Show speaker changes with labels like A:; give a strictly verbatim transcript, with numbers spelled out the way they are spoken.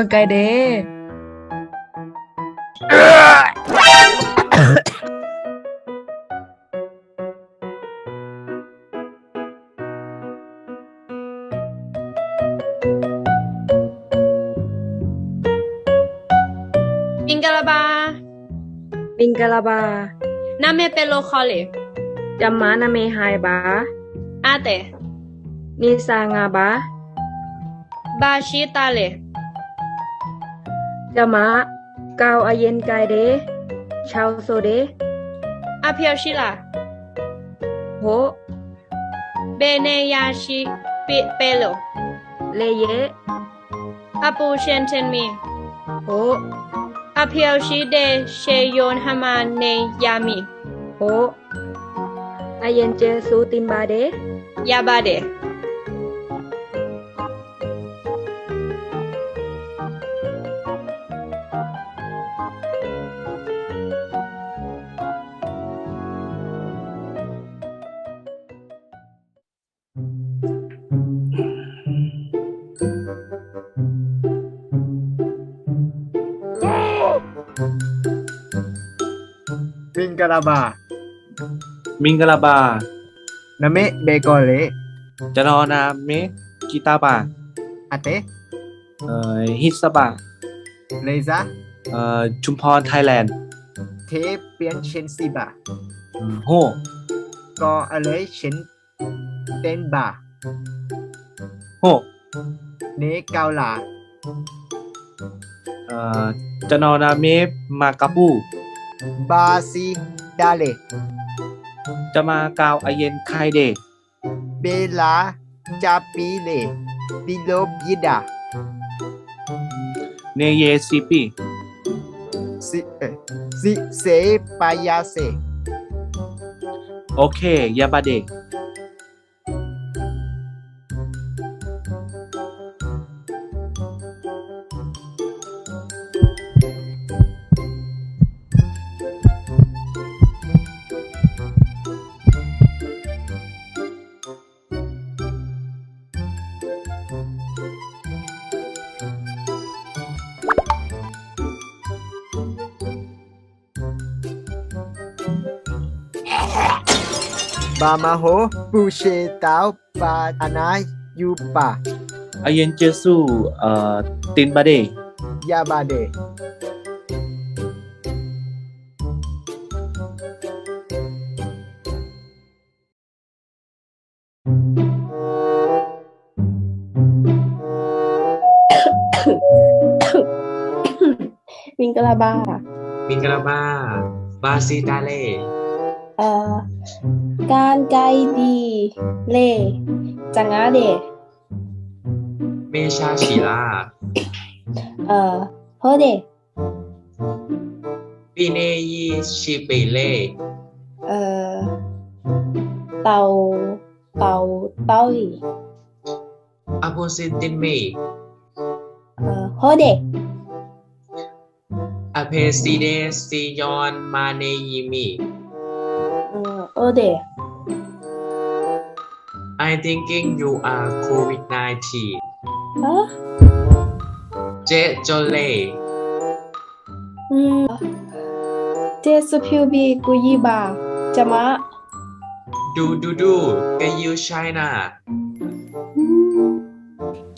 A: ไกเด
B: มิงกะลาบา
A: มิงกะลาบา
B: นาเมเปโลคอเล
A: จัมมานาเมไฮบา
B: อาเต
A: นิสางาบา
B: บาชิตาเล
A: จัมมะกาวอาเย็นไกเดชาวโซเด
B: อาเพียวชิลา
A: โห
B: เบเนยาชิปิเปโล
A: เลเย
B: อาปูเชนเทนมี
A: โห
B: อาเพียวชิเดเชโยนฮามาเนยามี
A: โหอาเย็นเจสูตินบาเด
B: ยาบาเด
C: มิงกะลาบา
D: มิงกะลาบา
C: นาเมเบโกเล
D: จะนอนาเมกีตาบา
C: อาเต
D: เอ่อฮิสบา
C: เลซา
D: เอ่อชุมพรไทยแลนด์
C: เทเปียนเชนซีบา
D: โฮ
C: ก็อะไรเชนเตนบา
D: โฮ
C: เนเกาลา
D: เอ่อจะนอนาเมมากาปู
C: บาซิดาเล
D: จะมากาวอาเย็นไคเด
C: เบลาจาปีเลบิโลบยิดา
D: เนเยซีปี
C: ซิเอซิเซปายาเซ
D: โอเคยาบาเด
C: บามาโฮปูเชตาวปาอานายยูปา
D: อาเย็นเจสูเอ่อตินบาเด
C: ยาบาเด
A: มิงกะลาบา
E: มิงกะลาบาบาซิตาเล
A: เอ่อการไกดีเลจังอาเด
E: เมชาชิลา
A: เอ่อโฮเด
E: ปีเนยีชิเปเล
A: เอ่อเตาเตาเต้าอี
E: อาโพซินตินเม
A: เอ่อโฮเด
E: อาเพซิเดซิยอนมาเนยิมี
A: เอ่อโอเด
E: I thinking you are โควิด สิบเก้า
A: ฮะ
E: เจโจเล
A: อืมเจสพิวบีกุยิบาจะมะ
E: ดูดูดูกยูไชน่า